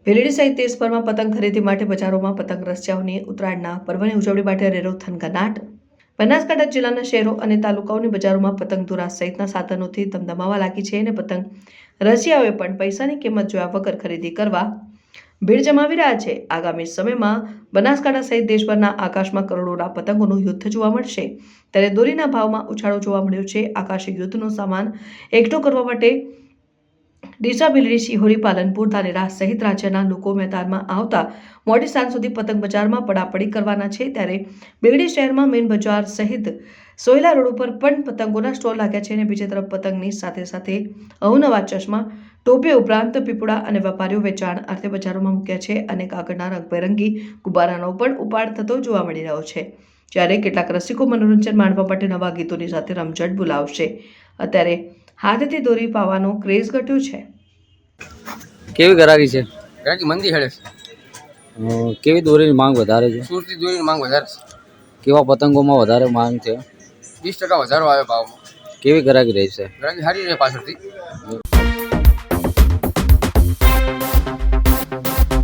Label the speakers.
Speaker 1: ભીલડી સહિત દેશભરમાં પતંગ ખરીદી માટે બજારોમાં પતંગ રસિયાઓની ઉત્તરાયણના પર્વની ઉજવણી માટે રેરો થનગનાટ। બનાસકાંઠા જિલ્લાના શહેરો અને તાલુકાઓની બજારોમાં પતંગ દોરા સહિતના સાધનોથી ધમધમાવા લાગી છે અને પતંગ રસિયાઓએ પણ પૈસાની કિંમત જોયા વગર ખરીદી કરવા ભીડ જમાવી રહ્યા છે। આગામી સમયમાં બનાસકાંઠા સહિત દેશભરના આકાશમાં કરોડોના પતંગોનું યુદ્ધ જોવા મળશે, ત્યારે દોરીના ભાવમાં ઉછાળો જોવા મળ્યો છે। આકાશી યુદ્ધનો સામાન એકઠો કરવા માટે ડીસા, ભીલડી, શિહોરી, પાલનપુર, ધાનેરા સહિત રાજ્યના લોકો મેદાનમાં આવતા મોડી સાંજ સુધી પતંગ બજારમાં પડાપડી કરવાના છે। ત્યારે ભીલડી શહેરમાં મેઇન બજાર સહિત સોયલા રોડ ઉપર પણ પતંગોના સ્ટોલ લાગ્યા છે અને બીજી તરફ પતંગની સાથે સાથે અવનવા ચશ્મા, ટોપી ઉપરાંત પીપળા અને વેપારીઓ વેચાણ અર્થે બજારોમાં મૂક્યા છે અને કાગળના રંગબેરંગી ગુબ્બારાનો પણ ઉપાડ થતો જોવા મળી રહ્યો છે। જ્યારે કેટલાક રસિકો મનોરંજન માણવા માટે નવા ગીતોની સાથે રમઝટ બોલાવશે। અત્યારે હાથથી દોરી પાવાનો ક્રેઝ ઘટ્યો છે।
Speaker 2: કેવી ગરાગી છે?
Speaker 3: ગરાગી મંદી હેડે છે।
Speaker 2: કેવી દોરીની માંગ વધારે છે?
Speaker 3: સુરતી દોરીની માંગ વધારે છે।
Speaker 2: કેવા પતંગોમાં વધારે માંગ છે?
Speaker 3: 20% વધારો આવ્યો ભાવમાં।
Speaker 2: કેવી ગરાગી રહી છે?
Speaker 3: ગરાગી સારી રહે પાછળથી।